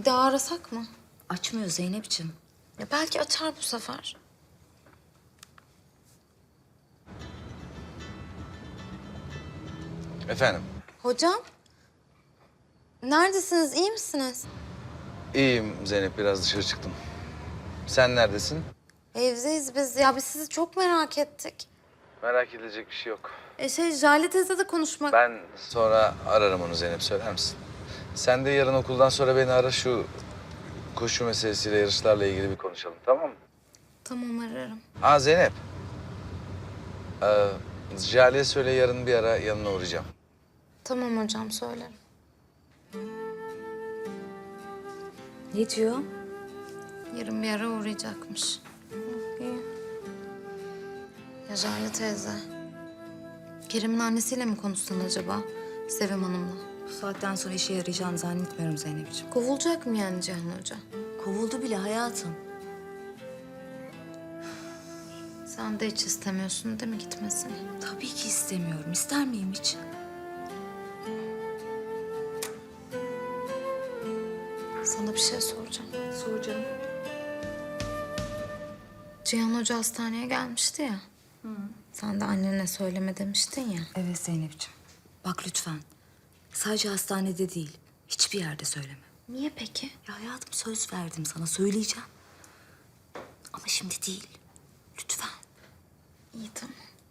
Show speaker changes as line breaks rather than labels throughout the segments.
daha arasak mı?
Açmıyor Zeynep'ciğim.
Ya belki açar bu sefer.
Efendim?
Hocam. Neredesiniz? İyi misiniz?
İyiyim Zeynep, biraz dışarı çıktım. Sen neredesin?
Evdeyiz biz. Ya biz sizi çok merak ettik.
Merak edilecek bir şey yok.
Jale teyze de konuşmak...
Ben sonra ararım onu Zeynep, söyler misin? Sen de yarın okuldan sonra beni ara, şu koşu meselesiyle, yarışlarla ilgili bir konuşalım, tamam mı?
Tamam, ararım.
Aa Zeynep. Jale'ye söyle, yarın bir ara yanına uğrayacağım.
Tamam hocam, söylerim.
Ne diyor?
Yarın bir ara uğrayacakmış. İyi. Ya Jale teyze. Kerem'in annesiyle mi konuşsan acaba? Sevim Hanım'la.
Bu saatten sonra işe yarayacağını zannetmiyorum Zeynep'ciğim.
Kovulacak mı yani Cihan Hoca?
Kovuldu bile hayatım.
Sen de hiç istemiyorsun değil mi gitmesini?
Tabii ki istemiyorum. İster miyim hiç?
Sana bir şey soracağım.
Soracağım.
Cihan Hoca hastaneye gelmişti ya. Sen de annene söyleme demiştin ya.
Evet Zeynep'ciğim. Bak lütfen. Sadece hastanede değil. Hiçbir yerde söyleme.
Niye peki?
Ya hayatım söz verdim sana. Söyleyeceğim. Ama şimdi değil. Lütfen.
İyi, tamam.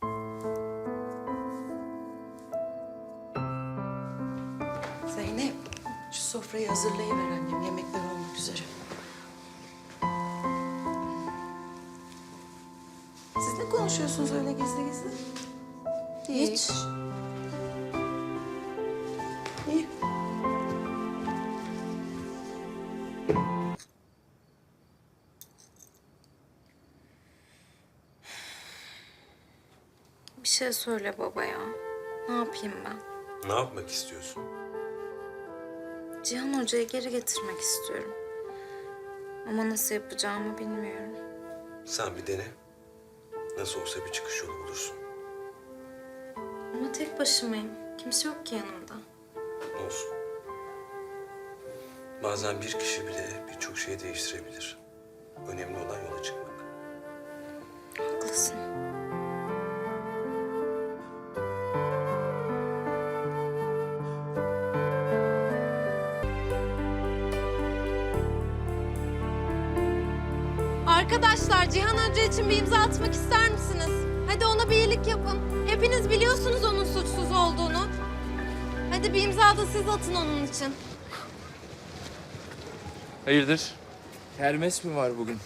Zeynep, şu sofrayı hazırlayıver annem. Yemekler olmak üzere. Siz ne konuşuyorsunuz öyle gizli gizli?
Hiç.
İyi.
Bir şey söyle baba ya. Ne yapayım ben?
Ne yapmak istiyorsun?
Cihan Hoca'yı geri getirmek istiyorum. Ama nasıl yapacağımı bilmiyorum.
Sen bir dene. Nasıl olsa bir çıkış yolu bulursun.
Ama tek başımayım. Kimse yok ki yanımda.
Olsun. Bazen bir kişi bile birçok şeyi değiştirebilir. Önemli olan yola çıkmak.
Haklısın.
Arkadaşlar, Cihan Hoca için bir imza atmak ister misiniz? Hadi ona bir iyilik yapın. Hepiniz biliyorsunuz onun suçsuz olduğunu. Hadi bir imza da siz atın onun için.
Hayırdır? Kermes mi var bugün?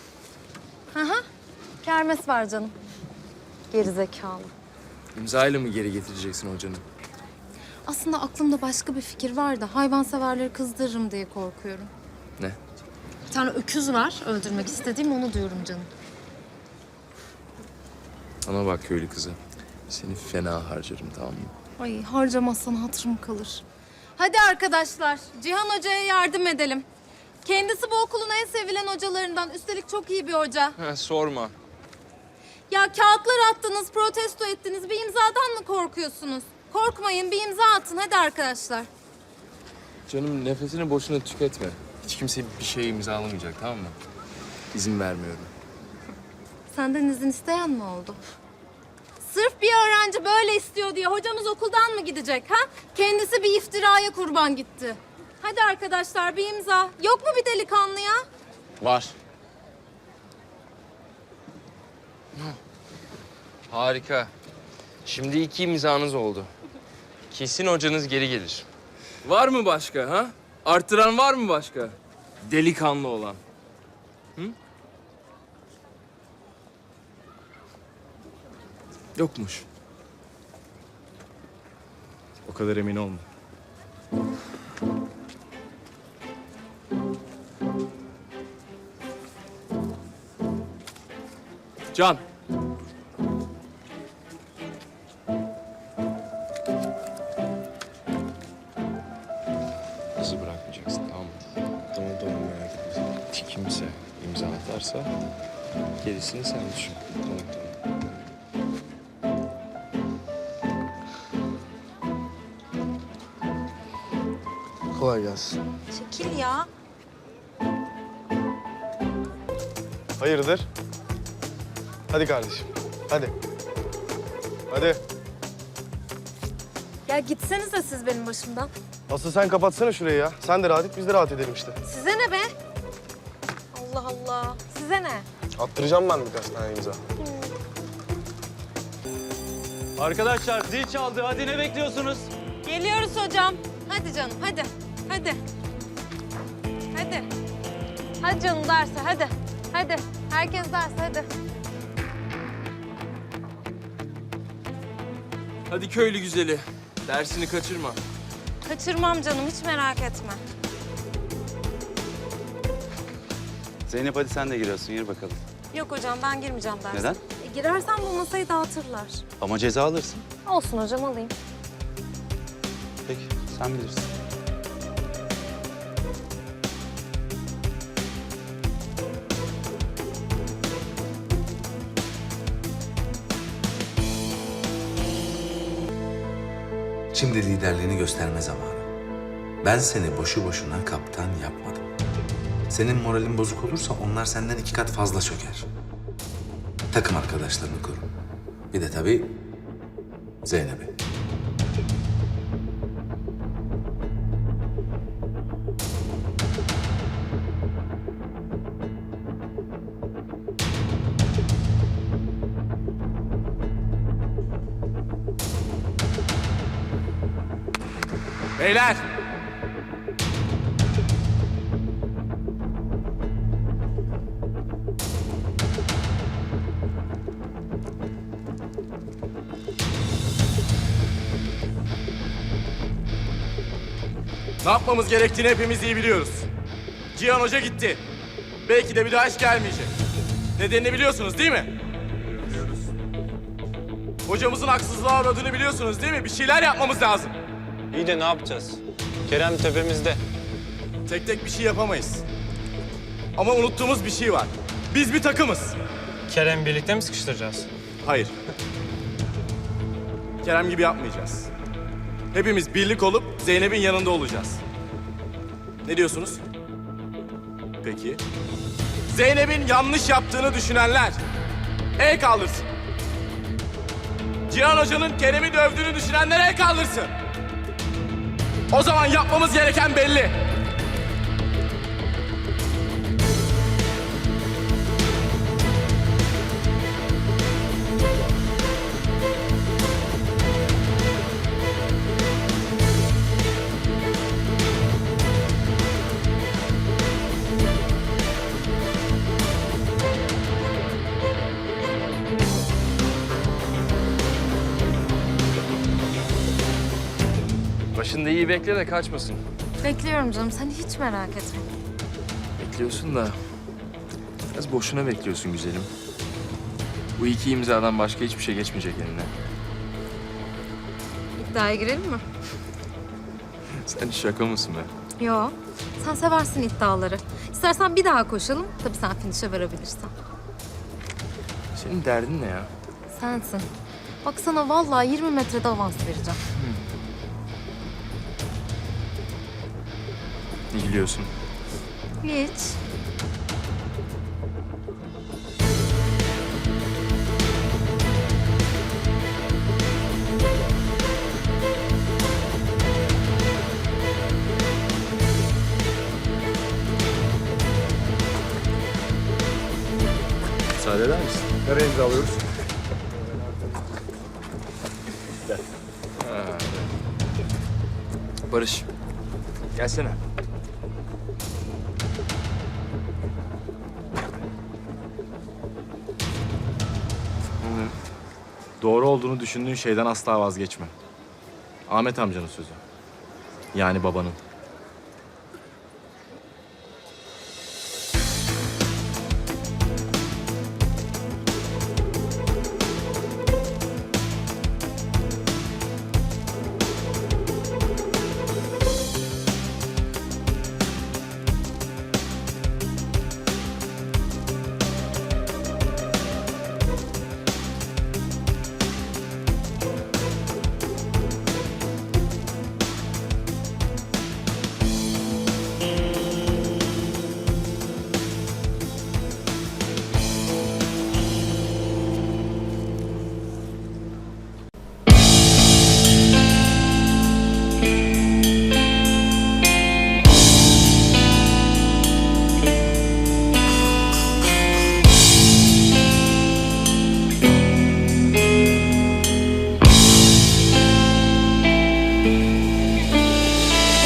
Kermes var canım. Gerizekalı.
İmzayla mı geri getireceksin hocanı?
Aslında aklımda başka bir fikir var da hayvanseverleri kızdırırım diye korkuyorum.
Ne?
Bir tane öküz var öldürmek istediğim, onu diyorum canım.
Ana bak köylü kızı. Seni fena harcarım, tamam mı?
Ay, harcamazsan hatırım kalır. Hadi arkadaşlar, Cihan Hoca'ya yardım edelim. Kendisi bu okulun en sevilen hocalarından. Üstelik çok iyi bir hoca.
Ha, sorma.
Ya kağıtlar attınız, protesto ettiniz. Bir imzadan mı korkuyorsunuz? Korkmayın, bir imza atın. Hadi arkadaşlar.
Canım nefesini boşuna tüketme. Hiç kimse bir şey imzalamayacak, tamam mı? İzin vermiyorum.
Senden izin isteyen mi oldu? Sırf bir öğrenci böyle istiyor diye hocamız okuldan mı gidecek ha? Kendisi bir iftiraya kurban gitti. Hadi arkadaşlar bir imza. Yok mu bir delikanlı ya?
Var. Harika. Şimdi 2 imzanız oldu. Kesin hocanız geri gelir. Var mı başka ha? Arttıran var mı başka? Delikanlı olan. Hı? Yokmuş. O kadar emin olma. Can. Kızı bırakmayacaksın, tamam mı? Tamam merak etme. Kimse imza atarsa gerisini sen düşün. Tamam.
Kolay gelsin.
Çekil ya.
Hayırdır? Hadi kardeşim, hadi. Hadi.
Ya gitsenize siz benim başımdan.
Asıl sen kapatsana şurayı ya. Sen de rahat et, biz de rahat edelim işte.
Size ne be? Allah Allah. Size ne?
Attıracağım ben birkaç tane imza.
Arkadaşlar zil çaldı. Hadi ne bekliyorsunuz?
Geliyoruz hocam. Hadi canım hadi. Hadi. Hadi. Hadi canım derse hadi. Hadi. Herkes derse hadi.
Hadi köylü güzeli. Dersini kaçırma.
Kaçırmam canım hiç merak etme.
Zeynep hadi sen de giriyorsun. Gir bakalım.
Yok hocam ben girmeyeceğim derse.
Neden?
Girersem bu masayı dağıtırlar.
Ama ceza alırsın.
Olsun hocam alayım.
Peki sen bilirsin.
Şimdi liderliğini gösterme zamanı. Ben seni boşu boşuna kaptan yapmadım. Senin moralin bozuk olursa onlar senden 2 kat fazla çöker. Takım arkadaşlarını koru. Bir de tabii Zeynep'i.
Beyler! Ne yapmamız gerektiğini hepimiz iyi biliyoruz. Cihan Hoca gitti. Belki de bir daha hiç gelmeyecek. Nedenini biliyorsunuz değil mi? Biliyoruz. Hocamızın haksızlığa uğradığını biliyorsunuz değil mi? Bir şeyler yapmamız lazım.
İyi de ne yapacağız? Kerem tepemizde.
Tek tek bir şey yapamayız. Ama unuttuğumuz bir şey var. Biz bir takımız.
Kerem birlikte mi sıkıştıracağız?
Hayır. Kerem gibi yapmayacağız. Hepimiz birlik olup Zeynep'in yanında olacağız. Ne diyorsunuz? Peki. Zeynep'in yanlış yaptığını düşünenler el kaldırsın. Cihan Hoca'nın Kerem'i dövdüğünü düşünenler el kaldırsın. O zaman yapmamız gereken belli. Başında iyi bekle de kaçmasın.
Bekliyorum canım sen hiç merak etme.
Bekliyorsun da biraz boşuna bekliyorsun güzelim. Bu 2 imzadan başka hiçbir şey geçmeyecek eline.
İddiaya girelim mi?
Sen şaka mısın be?
Yo. Sen seversin iddiaları. İstersen bir daha koşalım. Tabii sen finişe varabilirsen.
Senin derdin ne ya?
Sensin. Bak sana vallahi 20 metrede avans vereceğim.
Ne gülüyorsun?
Hiç.
Müsaade eder misin?
Nereye imzalıyoruz?
Barış. Gelsene. Doğru olduğunu düşündüğün şeyden asla vazgeçme. Ahmet amcanın sözü. Yani babanın.